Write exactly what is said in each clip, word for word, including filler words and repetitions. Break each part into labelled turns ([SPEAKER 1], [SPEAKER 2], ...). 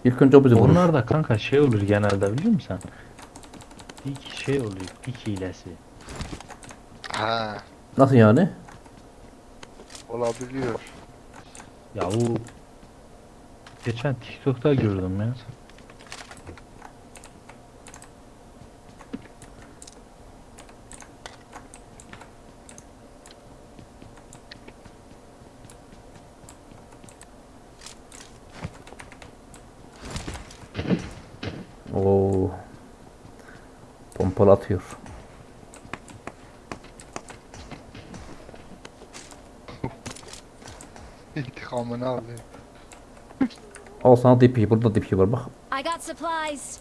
[SPEAKER 1] İlk önce o bizi vurur.
[SPEAKER 2] Onlar da kanka şey olur genelde biliyor musun sen? Dik şey oluyor. Dik hilesi.
[SPEAKER 3] Ha,
[SPEAKER 1] Nasıl yani?
[SPEAKER 3] olabiliyor.
[SPEAKER 2] Ya o geçen TikTok'ta gördüm ya.
[SPEAKER 1] Oo. Pompalı atıyor.
[SPEAKER 3] İntikamını alıyor.
[SPEAKER 1] Al sana D P. Burada D P var bak.
[SPEAKER 4] I got supplies.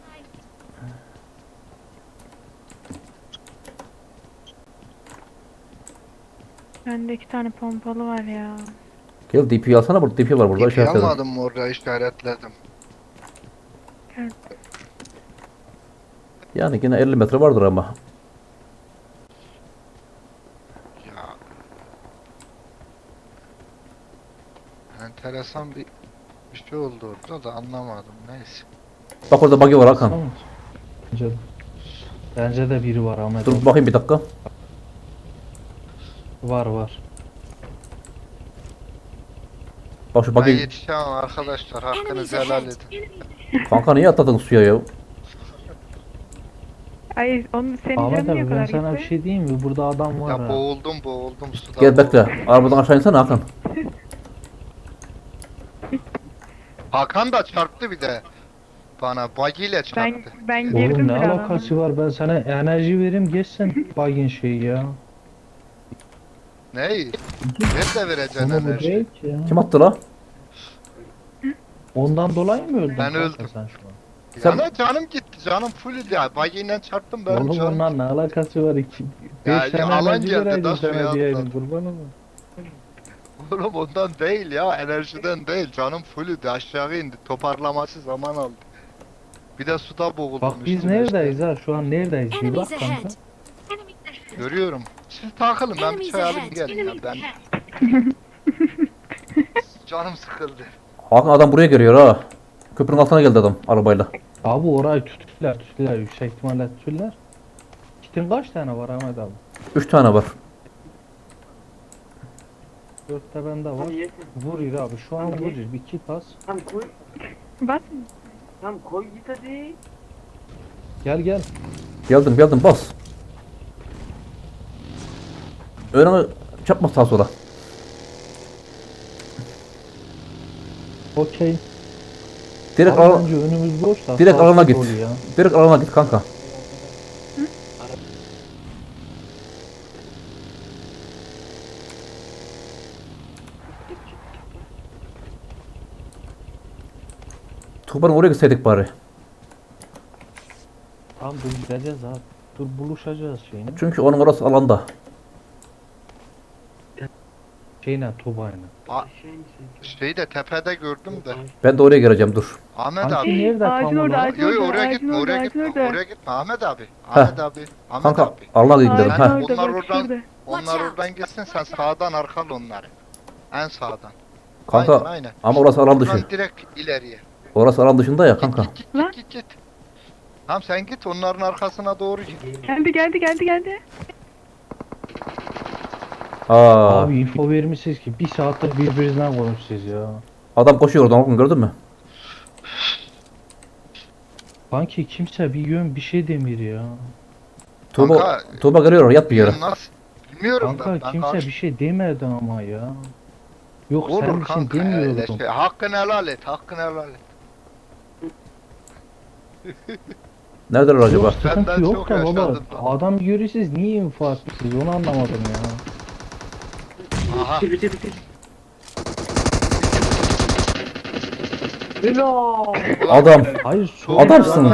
[SPEAKER 5] Bende iki tane pompalı var ya.
[SPEAKER 1] Gel D P'yi alsana, burada D P var burada
[SPEAKER 3] İpi
[SPEAKER 1] işaretledim.
[SPEAKER 3] almadım mı orada işaretledim.
[SPEAKER 1] Yani yine elli metre vardır ama.
[SPEAKER 3] Ya. Enteresan bir bir şey oldu orada da anlamadım. Neyse.
[SPEAKER 1] Bak orada buggy var Hakan.
[SPEAKER 2] Tamam. Bence de, bence de biri var Ahmet.
[SPEAKER 1] Dur
[SPEAKER 2] abi.
[SPEAKER 1] bakayım bir dakika.
[SPEAKER 2] Var var.
[SPEAKER 1] Bak şu
[SPEAKER 3] Ben
[SPEAKER 1] buggy.
[SPEAKER 3] yetişemem arkadaşlar. Hakkınızı helal edin.
[SPEAKER 1] Kanka niye atladın suya ya?
[SPEAKER 5] Ay onun senin
[SPEAKER 2] Ahmet
[SPEAKER 5] canın niye
[SPEAKER 2] abi
[SPEAKER 5] kadar
[SPEAKER 2] ben sana bir
[SPEAKER 5] gitti?
[SPEAKER 2] şey diyeyim mi? Burada adam var
[SPEAKER 3] Ya
[SPEAKER 2] ha.
[SPEAKER 3] boğuldum boğuldum suda.
[SPEAKER 1] Gel
[SPEAKER 3] boğuldum.
[SPEAKER 1] bekle. Arabadan aşağı insene Hakan.
[SPEAKER 3] Hakan da çarptı bir de. Bana buggy ile
[SPEAKER 5] Ben
[SPEAKER 3] çarptı.
[SPEAKER 5] ben girdim
[SPEAKER 2] Oğlum ne
[SPEAKER 5] bir alana.
[SPEAKER 2] alakası var? Ben sana enerji vereyim geçsin bagin şeyi ya.
[SPEAKER 3] Neyi? Nerede vereceksin
[SPEAKER 2] Ama bu
[SPEAKER 3] enerji?
[SPEAKER 2] değil ki ya.
[SPEAKER 1] Kim attı la?
[SPEAKER 2] Ondan dolayı mı öldün?
[SPEAKER 3] Ben
[SPEAKER 2] kanka
[SPEAKER 3] öldüm.
[SPEAKER 2] Sen şu an?
[SPEAKER 1] Sen-
[SPEAKER 3] Ya canım gitti. Canım full ya. Buggy ile çarptım benim
[SPEAKER 2] Oğlum
[SPEAKER 3] canım.
[SPEAKER 2] ondan ne alakası var iki?
[SPEAKER 3] Ya,
[SPEAKER 2] Beş
[SPEAKER 3] ya
[SPEAKER 2] tane
[SPEAKER 3] alan
[SPEAKER 2] enerji
[SPEAKER 3] geldi,
[SPEAKER 2] vereydim
[SPEAKER 3] nasıl ya?
[SPEAKER 2] sana diyeydim kurban olayım.
[SPEAKER 3] Oğlum ondan değil ya, enerjiden değil. Canım fullüydü, aşağı indi. Toparlaması zaman aldı. Bir de suda boğuldum.
[SPEAKER 2] Bak biz
[SPEAKER 3] üstüne
[SPEAKER 2] neredeyiz ha? Şu an neredeyiz? Bir bak
[SPEAKER 4] Enemies
[SPEAKER 2] kanka.
[SPEAKER 4] ahead.
[SPEAKER 3] işte. Görüyorum. Siz takılın, ben bir
[SPEAKER 4] Enemies
[SPEAKER 3] çay alayım
[SPEAKER 4] ahead.
[SPEAKER 3] gelin ya. Ben... Canım sıkıldı.
[SPEAKER 1] Hakan adam buraya geliyor ha. Köprünün altına geldi adam arabayla.
[SPEAKER 2] Abi orayı tuttular tuttular yüksek ihtimalle tuttular. Kitin kaç tane var Ahmet abi?
[SPEAKER 1] Üç tane var.
[SPEAKER 2] Dörtte bende var. Vuruyor abi şu an vuruyor. Bir kit az.
[SPEAKER 6] Tamam koy.
[SPEAKER 5] Bas.
[SPEAKER 6] Tamam koy git hadi.
[SPEAKER 2] Gel gel.
[SPEAKER 1] Geldim geldim bas. Önüne çarpma sağa sola.
[SPEAKER 2] Okey.
[SPEAKER 1] Direkt
[SPEAKER 2] Abi
[SPEAKER 1] alana,
[SPEAKER 2] bence önümüz boş da.
[SPEAKER 1] direkt
[SPEAKER 2] sağ
[SPEAKER 1] alana
[SPEAKER 2] sol
[SPEAKER 1] git.
[SPEAKER 2] oluyor ya.
[SPEAKER 1] Direkt alana git kanka. Tuğba'nın oraya gitseydik bari.
[SPEAKER 2] Tamam dur gideceğiz abi. Dur buluşacağız şeyine.
[SPEAKER 1] Çünkü onun orası alanda.
[SPEAKER 2] Şeyine Tuba'yla.
[SPEAKER 3] A-
[SPEAKER 6] Aşağı insin.
[SPEAKER 3] Şeyi de tepede gördüm de.
[SPEAKER 1] Ben de oraya geleceğim dur.
[SPEAKER 3] Ahmet
[SPEAKER 2] Kanki
[SPEAKER 3] abi.
[SPEAKER 2] nerede
[SPEAKER 5] Ağacın
[SPEAKER 2] tam
[SPEAKER 5] orada,
[SPEAKER 2] olarak?
[SPEAKER 5] ağacın
[SPEAKER 3] Yo yo
[SPEAKER 5] orada,
[SPEAKER 3] oraya
[SPEAKER 5] ağacın
[SPEAKER 3] gitme,
[SPEAKER 5] orada,
[SPEAKER 3] oraya
[SPEAKER 5] ağacın
[SPEAKER 3] gitme,
[SPEAKER 5] orada.
[SPEAKER 3] oraya gitme. Ahmet abi. Ahmet abi. Ahmet
[SPEAKER 1] Kanka
[SPEAKER 3] abi.
[SPEAKER 1] alana gidelim
[SPEAKER 5] Ağacın
[SPEAKER 1] ha.
[SPEAKER 5] orada
[SPEAKER 3] Onlar
[SPEAKER 5] bak
[SPEAKER 3] oradan-
[SPEAKER 5] şurada.
[SPEAKER 3] Onlar
[SPEAKER 4] Watch out.
[SPEAKER 3] oradan gitsin, sen sağdan arkal onları. En sağdan.
[SPEAKER 1] Kanka
[SPEAKER 3] Aynen, aynen.
[SPEAKER 1] ama orası alan dışı.
[SPEAKER 3] Oradan direkt ileriye.
[SPEAKER 1] Orası alan dışında ya kanka.
[SPEAKER 3] Git git
[SPEAKER 5] Lan.
[SPEAKER 3] git git git. Tamam sen git onların arkasına doğru git.
[SPEAKER 5] Geldi geldi geldi geldi.
[SPEAKER 1] Aa,
[SPEAKER 2] Abi info vermişsiniz ki bir saattir birbirinizden konuşuyoruz ya.
[SPEAKER 1] adam koşuyor oradan Hakan, gördün mü?
[SPEAKER 2] Sanki kimse bir yön bir şey demir ya.
[SPEAKER 1] Tuğba,
[SPEAKER 3] Kanka,
[SPEAKER 1] Tuğba geliyor yat bir yere.
[SPEAKER 3] Nasıl? Bilmiyorum
[SPEAKER 2] Kanka
[SPEAKER 3] ben. ben
[SPEAKER 2] kimse
[SPEAKER 3] karşı-
[SPEAKER 2] bir şey demedi ama ya. Yok sen
[SPEAKER 3] Olur
[SPEAKER 2] bir şey
[SPEAKER 3] kanka öyle
[SPEAKER 2] demiyordun.
[SPEAKER 3] şey. Hakkını helal et, hakkını helal et.
[SPEAKER 1] Neredeler acaba?
[SPEAKER 2] Yok sıkıntı
[SPEAKER 3] Benden
[SPEAKER 2] yok
[SPEAKER 3] çok
[SPEAKER 2] da baba.
[SPEAKER 3] yaşadım ben.
[SPEAKER 2] Adam görüyorsunuz niye info atmışsınız onu anlamadım ya.
[SPEAKER 3] Aha.
[SPEAKER 6] Bitir bitir bitir. Helal.
[SPEAKER 1] Adam.
[SPEAKER 2] Hayır
[SPEAKER 3] Çok
[SPEAKER 1] Adamsın.